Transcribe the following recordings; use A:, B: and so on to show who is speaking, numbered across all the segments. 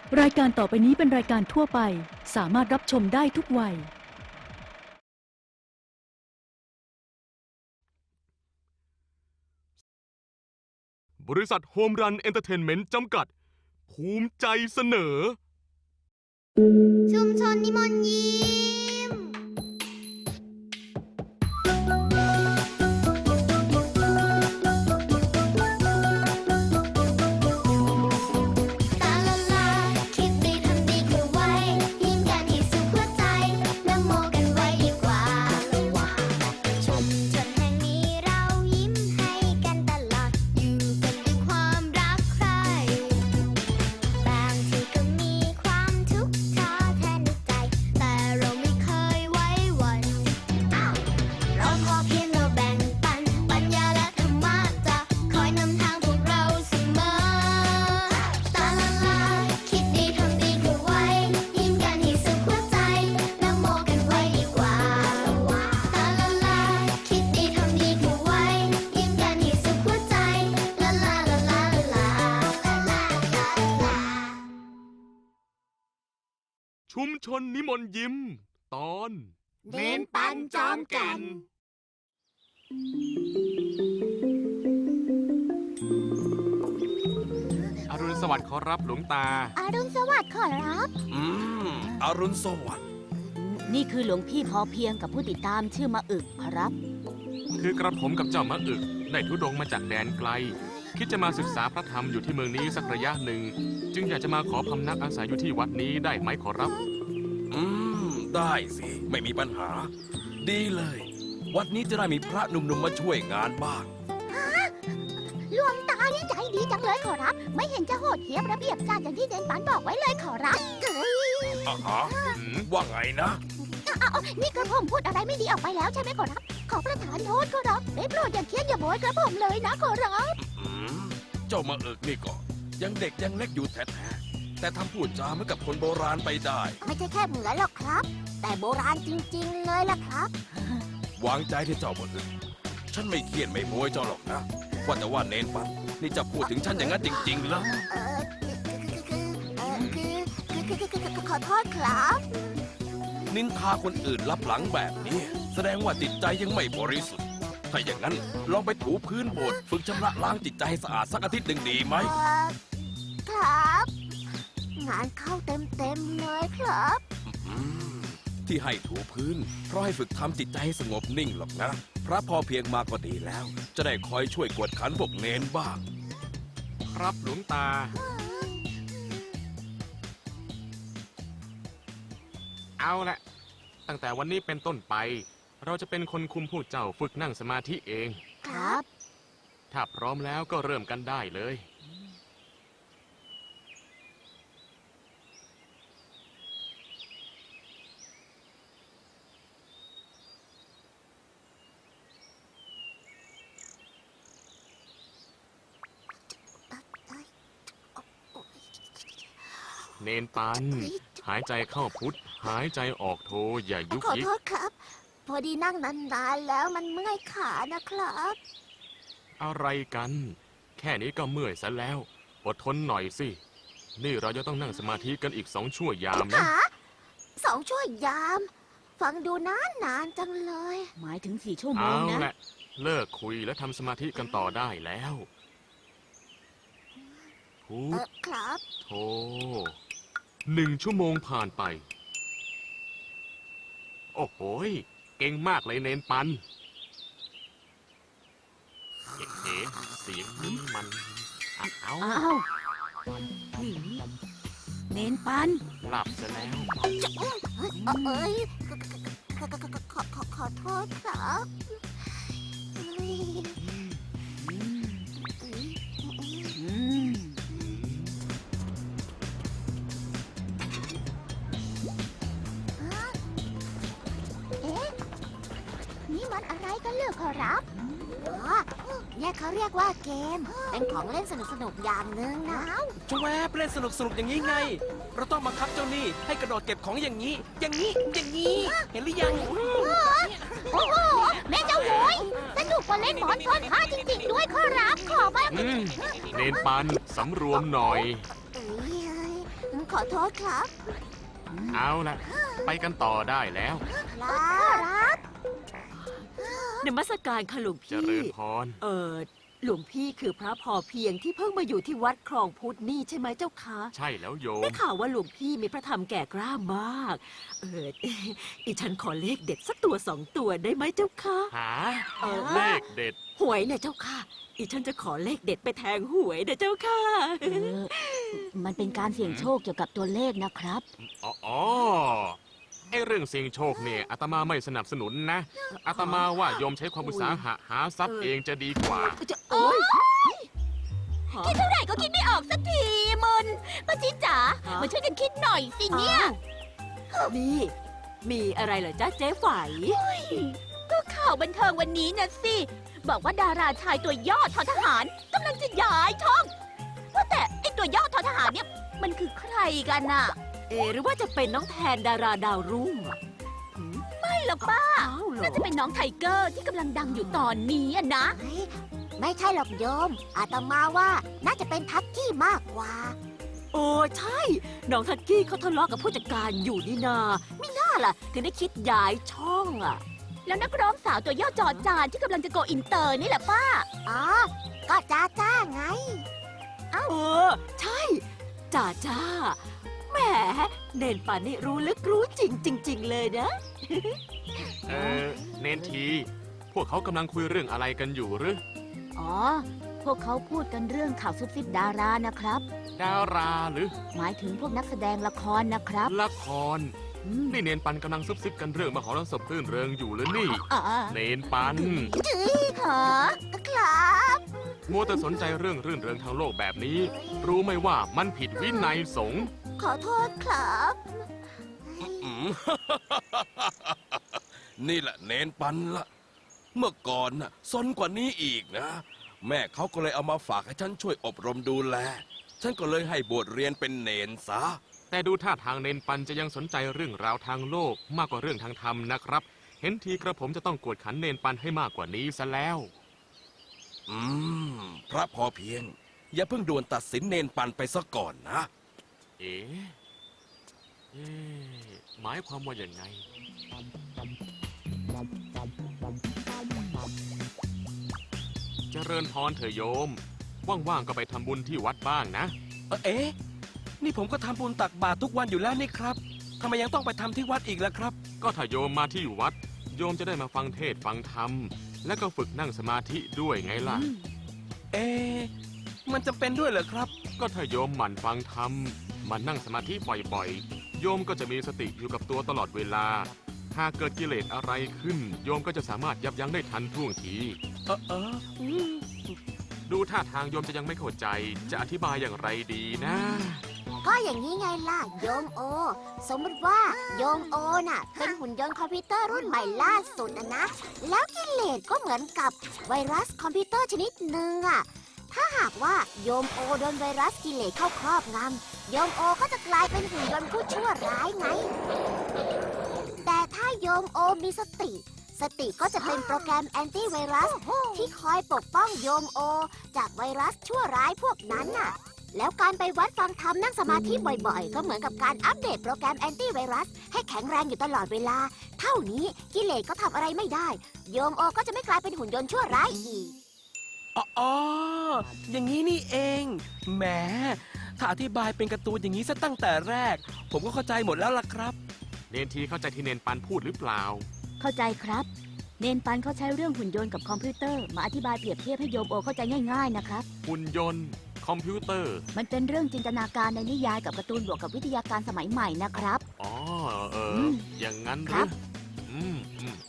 A: รายการต่อไปนี้เป็นรายการทั่วไปสามารถรับชมได้ทุกวัย
B: บริษัทโฮมรันเอนเตอร์เทนเมนต์จำกัดภูมิใจเสนอ
C: ชุมชนนิมนต์ยิ้มตาละลาคิดดีทำดีคือไว้ยิ้มกันให้สุขหัวใจนะโมกันไว้ดีกว่าชุมชนแห่งนี้เรายิ้มให้กันตลอดอยู่กันด้วยความรักใคร่บางทีก็มีความทุกข์ท้อแท้ในใจแต่เราไม่เคยไว้วันเราพอเพียงเราแบ่งปันปัญญาและธรรมะจะคอยนำทางพวกเราเสมอตาละลาคิดดีทำดีคือไว้ยิ้มกันให้สุขหัวใจนะโมกันไว้ดีกว่าตาละลาคิดดีทำดีคือไว้ยิ้มกันให้สุขหัวใจละลาละลาละลาละลาละลา
B: ชุมชนนิมนต์ยิ้ม ตอน
C: เน้นปันจอมแก่น
B: อรุณสวัสดิ์ขอรับหลวงตา
C: อรุณสวัสดิ์ขอรับ
D: อรุณสวัสดิ์
E: นี่คือหลวงพี่พอเพียงกับผู้ติดตามชื่อมะอึกครับ
B: คือกระผมกับเจ้ามะอึกได้ทุรดงมาจากแดนไกล คิดจะมาศึกษาพระธรรมอยู่ที่เมืองนี้สักระยะหนึ่ง จึงอยากจะมาขอพำนักอาศัยอยู่ที่วัดนี้ได้ไหมขอรับ
D: ได้สิ ไม่มีปัญหา ดีเลย วัดนี้จะได้มีพระหนุ่มๆมาช่วยงานบ้าง
C: หลวงตานี่ใจดีจังเลยขอรับ ไม่เห็นจะโหดเหี้ยมระเบียบการอย่างที่เดนปันบอกไว้เลยขอรับ
D: ว่าไงนะ
C: นี่กระผมพูดอะไรไม่ดีออกไปแล้วใช่ไหมขอรับ ขอประทานโทษขอรับได้โปรดอย่าเคียดอย่าโบยกระผมเลยนะขอรับ
D: เจ้ามาเอิกนี่ก็ยังเด็กยังเล็กอยู่แท้ๆแต่ทำพูดจาเหมือนกับคนโบราณไปได้
C: ไม่ใช่แค่เหมือนหรอกครับ แต่โบราณจริงๆเลยล่ะครับ
D: วางใจที่เจ้ามาเอิกฉันไม่เคียดไม่โบยเจ้าหรอกนะ ว่าแต่ว่าเนนปันนี่จะพูดถึงฉันอย่างนั้นจริงๆเหรอ
C: ขอโทษครับ
D: นินทาคนอื่นลับหลังแบบนี้ แสดงว่าจิตใจยังไม่บริสุทธิ์ ถ้าอย่างนั้นลองไปถูพื้นโบสถ์ฝึกชำระล้างจิตใจให้สะอาดสักอาทิตย์หนึ่งดีไหม
C: ครับ งานเข้าเต็มๆเลยครับ
D: ที่ให้ถูพื้น เพราะให้ฝึกทำจิตใจให้สงบนิ่งหรอกนะ พระพอเพียงมาก็ดีแล้ว จะได้คอยช่วยกวดขันพวกเนนบ้าง
B: ครับหลวงตา เอาละตั้งแต่วันนี้เป็นต้นไป เราจะเป็นคนคุมพวกเจ้าฝึกนั่งสมาธิเอง
C: ครับ
B: ถ้าพร้อมแล้วก็เริ่มกันได้เลย เนนปัน หายใจเข้าพุทธหายใจออกโทอย่ายุก
C: ขอ
B: ยิก
C: โทษครับ พอดีนั่งนานๆแล้วมันเมื่อยขานะครับ
B: อะไรกัน แค่นี้ก็เมื่อยซะแล้ว อดทนหน่อยสิ นี่เราจะต้องนั่งสมาธิกันอีก2 ชั่วยามนะ
C: ขา2 ชั่วยาม ฟังดูนานจังเลย
E: หมายถึง4 ชั่วโม
B: เอา
E: งนะ
B: ละเลิกคุยและทำสมาธิกันต่อได้แล้วพุทธ
C: ครับ
B: โธ1 ชั่วโมงผ่านไป โอ้โหยเก่งมากเลยเนนปันเอ๋เสียงนี้มันเอา
E: อ้าวนี่เน้นปัน
B: หลับซะแล้ว
C: เอ้ยขอโทษครับเอ้ย
E: อืม
C: เอ๊ะ นี่มันอะไรกันเหรอขอรับอ๋อเนี่ยเขาเรียกว่าเกม เป็นของเล่นสนุกๆอย่างหนึ่งนะ
F: จะแวบเล่นสนุกอย่างนี้ไง เราต้องบังคับเจ้านี่ให้กระโดดเก็บของอย่างนี้ อย่างนี้ อย่างนี้ เห็นหรือยัง
C: โอ้โห แม่เจ้าโวยสนุกกว่าเล่นหมอนซ่อนผ้าจริงๆด้วยขอรับ ขอบ้าง
B: เนนปันสำรวมหน่อย
C: เอ้ยขอโทษครับ
B: เอาละไปกันต่อได้แล้ว
C: ครับ
G: นมัสการค่ะหลวง
B: เจ
G: พี่
B: ริญพร
G: หลวงพี่คือพระพอเพียงที่เพิ่งมาอยู่ที่วัดคลองพุทธนี่ใช่ไหมเจ้าคะ
B: ใช่แล้วโย
G: ได้
B: ม
G: ข่าวว่าหลวงพี่มีพระธรรมแก่กล้ามาก อีฉันขอเลขเด็ดสักตัวสองตัวได้ไหมเจ้าคะ
B: หา
G: เออ
B: เลขเด็ด
G: หวยเนี่ยเจ้าค่ะ อีฉันจะขอเลขเด็ดไปแทงหวยนะเจ้าค่ะ
E: มันเป็นการเสี่ยงโชคเกี่ยวกับตัวเลขนะครับ
B: อ๋อไอเรื่องเสี่ยงโชคเนี่ยอาตมาไม่สนับสนุนนะอาตมาว่าโยมใช้ความอุตสาหะหาทรัพย์เองจะดีกว่า
G: จะโอ๊ย
C: คิดเท่าไหร่ก็คิดไม่ออกสักทีมันป้าจิ๊ดจ๋ามาช่วยกันคิดหน่อยสิเนี่ย
G: นี่ มีอะไรเหรอจ๊ะเจ๊ไฝ
C: ก็ข่าวบันเทิงวันนี้นะสิ บอกว่าดาราชายตัวย่อทอทหารกำลังจะย้ายช่อง ว่าแต่ไอตัวย่อทอทหารเนี่ยมันคือใครกันน่ะ
G: หรือว่าจะเป็นน้องแทนดาราดาวรุ่งอะหืม
C: ไม่หรอกป้า
G: อ้าวเหรอ
C: น่าจะเป็นน้องไทเกอร์ที่กำลังดังอยู่ตอนนี้อะนะ ไม่ใช่หรอกโยม อาตมาว่าน่าจะเป็นทักกี้มากกว่า
G: โอ้ใช่ น้องทักกี้เขาทะเลาะกับผู้จัดการอยู่นี่นาไม่น่าล่ะ ถึงได้คิดย้ายช่องอ่ะ
C: แล้วนักร้องสาวตัวย่อจอจานที่กำลังจะโกอินเตอร์นี่แหละป้า อ๋อ ก็จ้าจ้าไง
G: เออ ใช่จ่าจ้าแหมเนนป่านนี่รู้ลึกรู้จริงจริง ๆ เลยนะ
B: เนนที พวกเขากำลังคุยเรื่องอะไรกันอยู่หรือ
E: อ๋อ พวกเขาพูดกันเรื่องข่าวซุบซิบดารานะครับ
B: ดาราหรือ
E: หมายถึงพวกนักแสดงละครนะครับ
B: ละคร
E: อืม
B: นี่เนนปันกำลังซุบซิบกันเรื่องมหรสพรื่นเริงอยู่หรือนี่
E: อ๋อ
B: เนนปัน
C: หอครับ
B: มัวแต่สนใจเรื่องรื่นเริงทางโลกแบบนี้ รู้ไหมว่ามันผิดวินัยสงฆ์
C: ขอโทษครับ
D: อืม นี่แหละเนนปันละเมื่อก่อนน่ะซนกว่านี้อีกนะ แม่เขาก็เลยเอามาฝากให้ฉันช่วยอบรมดูแล ฉันก็เลยให้บวชเรียนเป็นเนนซะ
B: แต่ดูท่าทางเนนปันจะยังสนใจเรื่องราวทางโลกมากกว่าเรื่องทางธรรมนะครับ เห็นทีกระผมจะต้องกวดขันเนนปันให้มากกว่านี้ซะแล้ว
D: อืม พระพอเพียง อย่าเพิ่งด่วนตัดสินเนนปันไปซะก่อนนะ
B: เอ๊ะหมายความว่าอย่างไง เจริญพรเถอะโยม ว่างๆก็ไปทำบุญที่วัดบ้างนะ
F: เอ๊ะ นี่ผมก็ทำบุญตักบาตรทุกวันอยู่แล้วนี่ครับทำไมยังต้องไปทำที่วัดอีกล่ะครับ
B: ก็ถ้าโยมมาที่วัด โยมจะได้มาฟังเทศน์ฟังธรรม และก็ฝึกนั่งสมาธิด้วยไงล่ะ
F: เอ๊ะ มันจำเป็นด้วยเหรอครับ
B: ก็ถ้าโยมหมั่นฟังธรรมหมันนั่งสมาธิบ่อยๆ โยมก็จะมีสติอยู่กับตัวตลอดเวลา หากเกิดกิเลสอะไรขึ้น โยมก็จะสามารถยับยั้งได้ทันท่วงที
F: อืม
B: ดูท่าทางโยมจะยังไม่เข้าใจ จะอธิบายอย่างไรดีนะ
C: ก็อย่างนี้ไงล่ะ โยมโอ สมมติว่าโยมโอน่ะ เป็นหุ่นยนต์คอมพิวเตอร์รุ่นใหม่ล่าสุดนะ แล้วกิเลสก็เหมือนกับไวรัสคอมพิวเตอร์ชนิดหนึ่งอะถ้าหากว่าโยมโอโดนไวรัสกิเลสเข้าครอบงำโยมโอก็จะกลายเป็นหุ่นยนต์ผู้ชั่วร้ายไง แต่ถ้าโยมโอมีสติ สติก็จะเป็นโปรแกรมแอนตี้ไวรัสที่คอยปกป้องโยมโอ จากไวรัสชั่วร้ายพวกนั้นน่ะ แล้วการไปวัดฟังธรรมนั่งสมาธิบ่อยๆ ก็เหมือนกับการอัปเดตโปรแกรมแอนตี้ไวรัสให้แข็งแรงอยู่ตลอดเวลา เท่านี้กิเลสก็ทำอะไรไม่ได้ โยมโอก็จะไม่กลายเป็นหุ่นยนต์ชั่วร้ายอีก
F: อ๋อ อย่างนี้นี่เอง แหม ถ้าอธิบายเป็นการ์ตูนอย่างนี้ซะตั้งแต่แรก ผมก็เข้าใจหมดแล้วล่ะครับ
B: เนนทีเข้าใจที่เนนปันพูดหรือเปล่า
E: เข้าใจครับ เนนปันเขาใช้เรื่องหุ่นยนต์กับคอมพิวเตอร์มาอธิบายเปรียบเทียบให้โยมโอเข้าใจง่ายๆนะครับ
B: หุ่นยนต์ คอมพิวเตอร์
E: มันเป็นเรื่องจินตนาการในนิยายกับการ์ตูนบวกกับวิทยาการสมัยใหม่นะครับ
B: อ๋อ
E: ม
B: อย่างนั้นห
E: ครั
B: รือบ อืม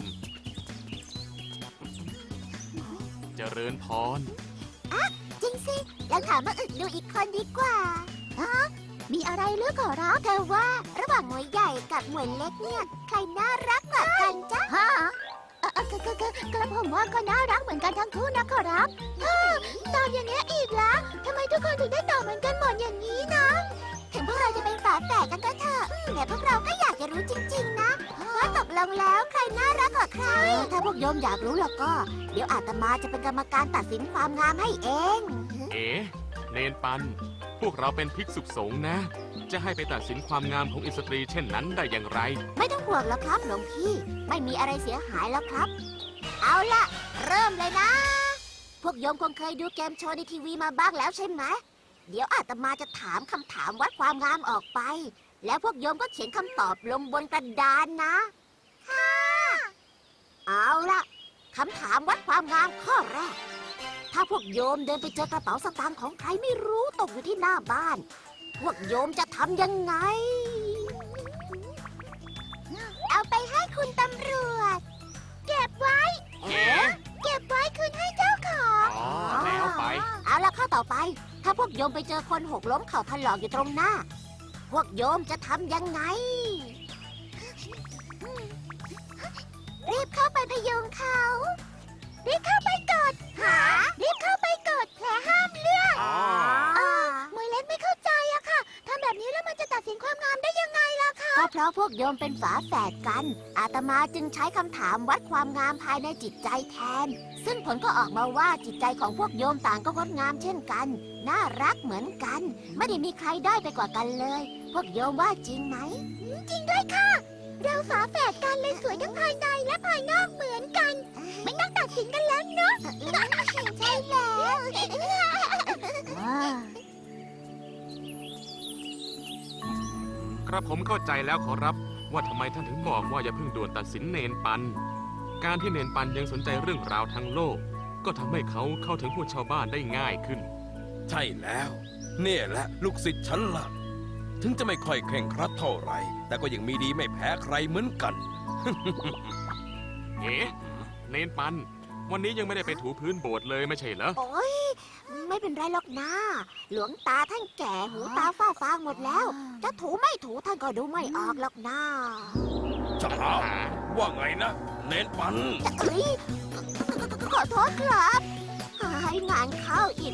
B: เจริญพร
C: จริงสิ แล้วถามมาอึกดูอีกคนดีกว่าฮะมีอะไรเลือกขอรับแต่ว่าระหว่างหมวยใหญ่กับหมวยเล็กเนี่ย ใครน่ารักกว่ากันจ๊ะฮะกระผมว่าก็น่ารักเหมือนกันทั้งคู่นะขอรับตอบอย่างเงี้ยอีกแล้วทำไมทุกคนถึงได้ตอบเหมือนกันหมดอย่างนี้นะ ถึงพวกเราจะเป็นฝาแฝดกันก็เถอะ แต่พวกเราก็อยากจะรู้จริงๆนะว่าตกลงแล้วใครน่ารักกว่าใคร ถ้าพวกโยมอยากรู้แล้วก็ เดี๋ยวอาตมาจะเป็นกรรมการตัดสินความงามให้เอง
B: เอ๋เนนปัน พวกเราเป็นภิกษุสงฆ์นะ จะให้ไปตัดสินความงามของอิสตรีเช่นนั้นได้อย่างไร
C: ไม่ต้องห่วงแล้วครับหลวงพี่ ไม่มีอะไรเสียหายแล้วครับ เอาล่ะ เริ่มเลยนะ พวกโยมคงเคยดูเกมโชว์ในทีวีมาบ้างแล้วใช่ไหม เดี๋ยวอาตมาจะถามคำถามวัดความงามออกไป แล้วพวกโยมก็เขียนคำตอบลงบนกระดานนะ ค่ะ เอาล่ะคำถามวัดความงามข้อแรก ถ้าพวกโยมเดินไปเจอกระเป๋าสตางค์ของใครไม่รู้ตกอยู่ที่หน้าบ้าน พวกโยมจะทำยังไง เอาไปให้คุณตำรวจ เก็บไว้
B: เอ๊ะ
C: เก็บไว้คืนให้เจ้าของ
B: อ๋อ แล้วไป
C: เอาละข้อต่อไป ถ้าพวกโยมไปเจอคนหกล้มเข่าถลอกอยู่ตรงหน้า พวกโยมจะทำยังไง รีบเข้าไปพยุงเขา รีบเข้าไปกดหา รีบเข้าไปกดแผลห้ามเลือด
B: อ๋อ
C: มวยเล็กไม่เข้าใจอะค่ะ ทำแบบนี้แล้วมันจะตัดสินความงามได้ยังไงล่ะคะ ก็เพราะพวกโยมเป็นฝาแฝดกัน อาตมาจึงใช้คำถามวัดความงามภายในจิตใจแทน ซึ่งผลก็ออกมาว่าจิตใจของพวกโยมต่างก็งดงามเช่นกัน น่ารักเหมือนกัน ไม่ได้มีใครได้ไปกว่ากันเลย พวกโยมว่าจริงไหม จริงด้วยค่ะ เราฝาแฝดกันเลยสวยทั้งภายในและภายนอกเหมือนกัน ไม่ต้องตัดสินกันแล้วเนาะใช่แล้ว
B: กระผมเข้าใจแล้วขอรับ ว่าทำไมท่านถึงบอกว่าอย่าเพิ่งด่วนตัดสินเนนปัน การที่เนนปันยังสนใจเรื่องราวทางโลก ก็ทำให้เขาเข้าถึงผู้ชาวบ้านได้ง่ายขึ้น
D: ใช่แล้ว เนี่ยแหละลูกศิษย์ฉันล่ะ ถึงจะไม่ค่อยเคร่งครัดเท่าไหร่ แต่ก็ยังมีดีไม่แพ้ใครเหมือนกัน
B: เอ๊ะ เนนปัน วันนี้ยังไม่ได้ไปถูพื้นโบสถ์เลยไม่ใช่เหรอ
C: โอ้ยไม่เป็นไรหรอกนะ หลวงตาท่านแก่หูตาฝ้าฟางหมดแล้ว จะถูไม่ถูท่านก็ดูไม่ออกหรอกนะ
D: จะหาว่าไงนะ เน้นปัน
C: เอ้ยขอโทษครับให้งานเข้าอี